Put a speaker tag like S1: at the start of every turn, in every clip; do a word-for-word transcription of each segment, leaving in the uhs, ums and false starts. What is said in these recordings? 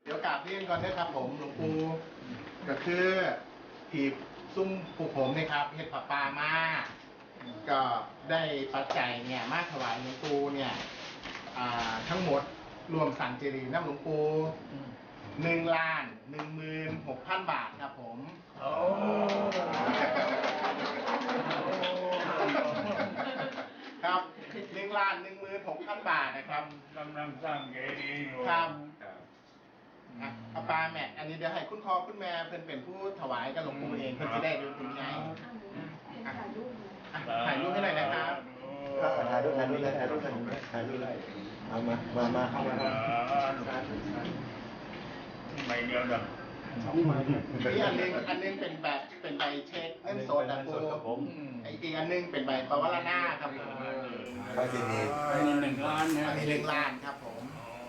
S1: ดี๋ยวกราบเรียนก่อนนะครับผมหลวงปู่ก็คือที่ซุ้มผูกผมนะครับเห็ดผักปลามาก็ได้ปัจจัยเนี่ยมาถวายหลวงปู่เนี่ยทั้งหมดรวมสันเจรีน้ำหลวงปู่หนึ่งล้านหนึ่งหมื่นหกพันบาทครับผมโอ้ครับหนึ่งล้านหนึ่งหมื่นหกพันบาทนะครับ
S2: กำลังสร้างเจดีย์อยู่
S1: ครับอาปาแม่อันนี้เดี๋ยวให้คุณพ่อคุณแม่เพิ่นเป็นผู้ถวายกับหลวงปู่เองเพิ่นจะได้รู้ถึงไงถ่ายรูปให้หน่อยนะครับ
S3: ถ่ายรูปถ่ายรูปเลยถ่ายรูปถ่ายรูปเลยเอามามามาเข้ามา
S2: ไม่เดียวเด้อ
S1: นี่อันนึงอันนึงเป็นแบบเป็นใบเช็คเงินสดนะปูไอ้อีกอันนึงเป็นใบปวารณาครับผม
S3: ไปที่นี่
S2: อันนี้หนึ่งล้านนะ
S1: อันนี้หนึ่งล้านครับผม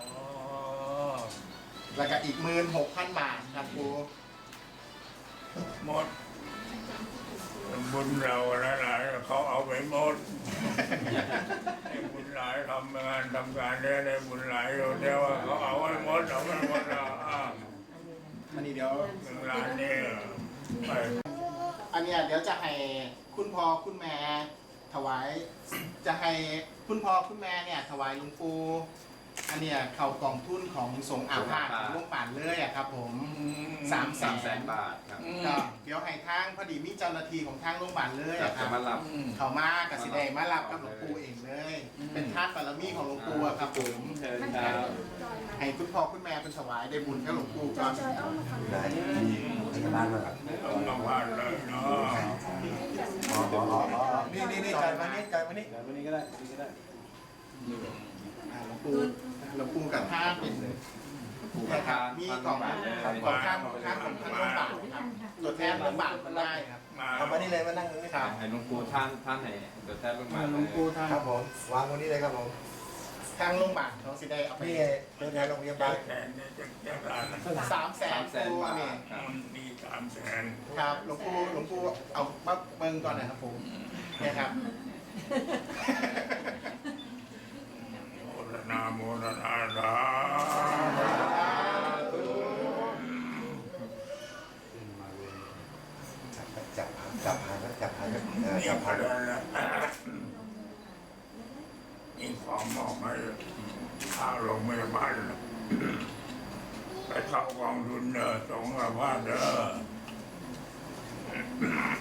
S1: แล้วก็อีกหมื่นหกพันบาทครับปู
S2: หมดบุญเราหลายๆเขาเอาไปหมดไอ้บุญหลายทำงานทำการได้ได้บุญหลายอยู่เดียวเขาเอาไปหมดเอาไปหมดแล้ว
S1: อันนี้เดี๋ยว
S2: หนึ่งล้านนี่ไป
S1: อันเนี้ยเดี๋ยวจะให้คุณพ่อคุณแม่ถวายจะให้คุณพ่อคุณแม่เนี่ยถวายหลวงปู่อันเนี้ยเข้ากองทุนของสงฆ์อาภาสของหลวงป่านเลยอะครับผมสามแสน
S4: บาทครับ
S1: เดี๋ยวให้ทางพอดีมีเจ้าหน้าที่ของทางโรงพยาบาลเลยอะครับ
S4: มารับ
S1: เขามากับสิได้มารับกับหลวงปู่เองเลยเป็นทาสบารมีของหลวงปู่อะครับผมให้คุณพ่อคุณแม่เป็นถวายได้บุญกับหลวงปู่ก่อน
S3: ได้ที่บ้านมาครับ
S2: ต้องมาเลยเนาะ
S3: นี่นี่นี่จ่ายมานี่จ่ายมานี่จ่ายมานี่ก็ได้นี่ก็ได้
S1: หลวงปู่หลวงปู่กับท่าเป็นมีกล่องกล่องข้างของข้างของท่านโรงพยาบาลครับตัวแทนโรงพยาบาลมันได้ครับ
S3: เอามานี่เลยมานั่งตรงนี้
S1: ครับ
S4: ให้หลวงปู่ท่านท่านไหนตัวแทนโรงพยาบาล
S1: หลวงปู่ท่าน
S3: ครับผมวางตรงนี้เลยครับผม
S1: ทางโรงพยาบาลเขาสิได้เอาไป
S3: นี่ตัวแทนโรงพยาบาล
S1: สามแสนปูนี่
S2: มีสามแสน
S1: ครับหลวงปู่หลวงปู่เอามาเบิ่งก่อนนะครับผมเนี่ยครับ
S2: นาโมตัสสะสาธุ
S3: จับจับหางจับหาง
S2: จับหางมีความมอบให้ข้าโรงพยาบาลไปเข้ากองทุนเด้อสงฆ์อาภาสเด้อ